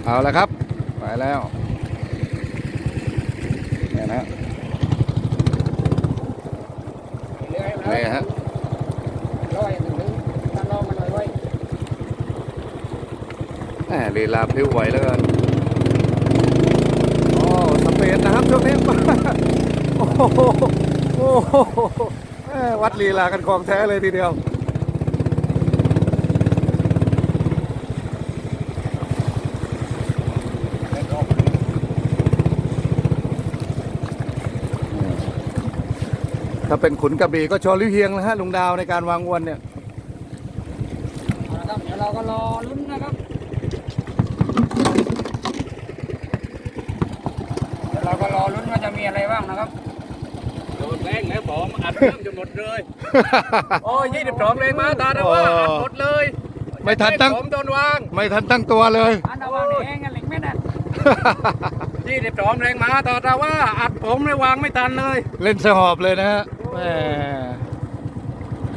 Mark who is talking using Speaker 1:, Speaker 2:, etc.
Speaker 1: เอาละครับไปแล้วเนี่ยนะนี่ฮะลีลาพลิ้วไหวแล้วกันโอ้สเปนนะครับช่วงนี้ โอ้โหโอ้โหวัดลีลากันของแท้เลยทีเดียวถ้าเป็นขุนกระบี่ก็ชอลิวเฮียงนะฮะลุงดาวในการวางอวนเนี่ย
Speaker 2: เดี๋ยวเราก็รอลุ้นนะครับเดี๋ยวเราก็รอลุ้นว่าจะมีอะไรบ้างนะครับ
Speaker 3: โดนแรงแล้วผมอัดเครื่องจนหมดเลยโอ้ย22แรงมาตาดว่าอัดหมดเลย
Speaker 1: ไม่ทันตั้ง
Speaker 3: ผมโดนวาง
Speaker 1: ไม่ทันตั้งตัวเลย
Speaker 2: อันดาวางแห้งกันเหล็กไม่ได้
Speaker 3: 22แรงมาตาดว่าอัดผมเลยวางไม่ทันเลย
Speaker 1: เล่นสหอบเลยนะฮะแหม